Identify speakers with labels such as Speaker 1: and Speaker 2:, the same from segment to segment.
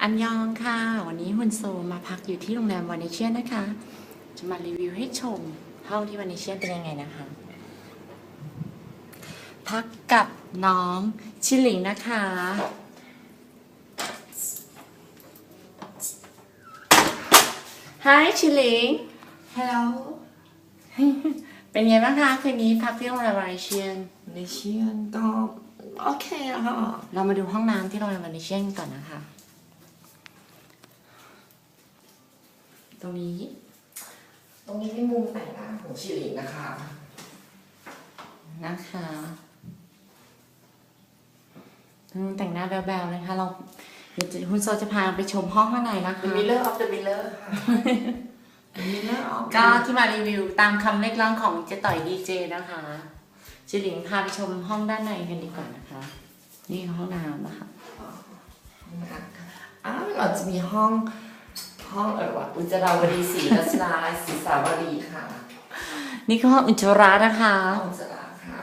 Speaker 1: อันยองค่ะวันนี้ฮุนโซมาพักอยู่ที่โรงแรมวานิเชียนนะคะจะมารีวิวให้ชมห้องที่วานิเชียนเป็นยังไงนะคะ พักกับน้องชิหลิงนะคะ Hi ชิหลิง
Speaker 2: Hello
Speaker 1: เป็นไงบ้างคะคืนนี้พักที่โรงแรมวานิเชียน
Speaker 2: ในเชียนก็โอเคอะค่ะ
Speaker 1: เรามาดูห้องน้ำที่โรงแรมวานิเชียนก่อนนะคะ ตรงนี้
Speaker 2: ตรงนี้เป็นมุมแต่งหน้าของชิลินนะคะ
Speaker 1: แต่งหน้าแบวๆนะคะเราเดี๋ยวคุณโซจะพาไปชมห้องข้างในนะคะ
Speaker 2: The Mirror of the Mirror ค่ะ The Mirror of
Speaker 1: ก็ที่มารีวิวตามคำเรียกร้องของเจ๊ต่อยดีเจนะคะชิหลิงพาไปชมห้องด้านในกันดีกว่านะคะ นี่ห้องน้ำนะคะ
Speaker 2: เราจะมีห้องว่าอุจจาราวดีศรีรัชดาศรีสาวดีค่ะ
Speaker 1: นี่คือห้องอุจจาระนะคะ
Speaker 2: ห้องอุจจาระค่ะ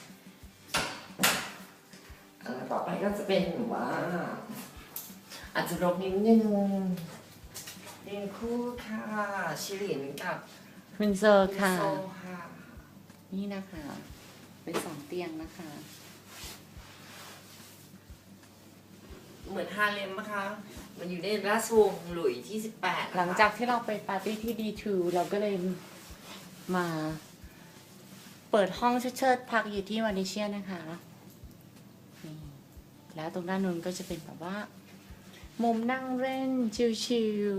Speaker 2: ต่อไปก็จะเป็นว่า อาจจะรกนิดนึงเรียงคู่ค่ะชิลินกับ
Speaker 1: คุณโซค่ะ
Speaker 2: โซค่ะ
Speaker 1: นี่นะคะ เป็นสองเตียงนะคะ
Speaker 2: เหมือนฮาเลมนะคะ มันอยู่ในราชวงศ์หลุยที่18
Speaker 1: หลังจากที่เราไปปาร์ตี้ที่D2เราก็เลยมาเปิดห้องเชิดๆพักอยู่ที่วานิเชียนนะคะนี่แล้วตรงด้านนู้นก็จะเป็นแบบว่า มุมนั่งเล่นชิล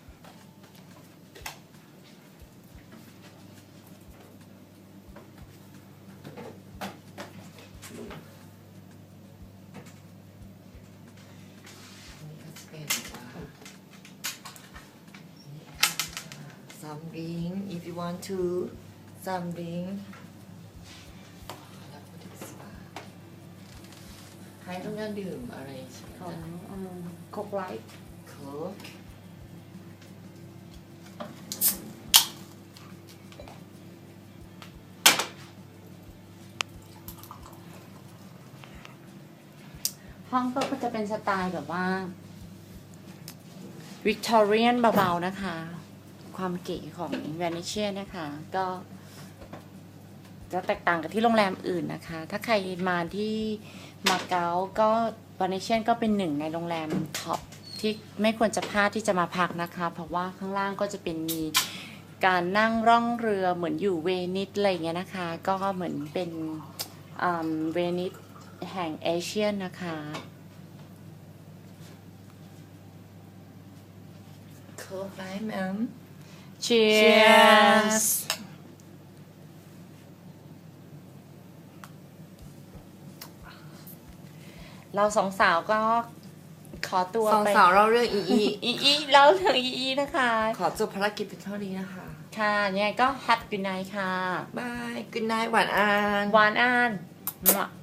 Speaker 2: some drink if you want to some drink แล้วก็ถึงสปาใครต้องการดื่มอะไรใช่ไหม
Speaker 1: ๆของโคกไลท์
Speaker 2: โค้ก
Speaker 1: ห้องก็จะเป็นสไตล์แบบว่าวิกตอเรียนเบาๆนะคะ ความเก๋ของวานิเชียนะคะ ก็จะแตกต่างกับที่โรงแรมอื่นนะคะ ถ้าใครมาที่มาเก๊าก็วานิเชียนก็เป็นหนึ่งในโรงแรมท็อปที่ไม่ควรจะพลาดที่จะมาพักนะคะ เพราะว่าข้างล่างก็จะเป็นมีการนั่งร่องเรือเหมือนอยู่เวนิสอะไรอย่างเงี้ยนะคะ ก็เหมือนเป็นเวนิสแห่งเอเชียนะคะ
Speaker 2: โค้กไหมแมม
Speaker 1: Cheers เราสองสาวก็ขอตัว
Speaker 2: สอง
Speaker 1: ไป
Speaker 2: สาวเราเรื่องอี
Speaker 1: อีเราเรื่องอีนะคะ
Speaker 2: ขอจบภารกิจเป็นเท่านี้นะคะ
Speaker 1: ค่ะยังไงก็ Happy Good Night ค่ะ
Speaker 2: บาย good night หวานอัน
Speaker 1: หวานอ่าน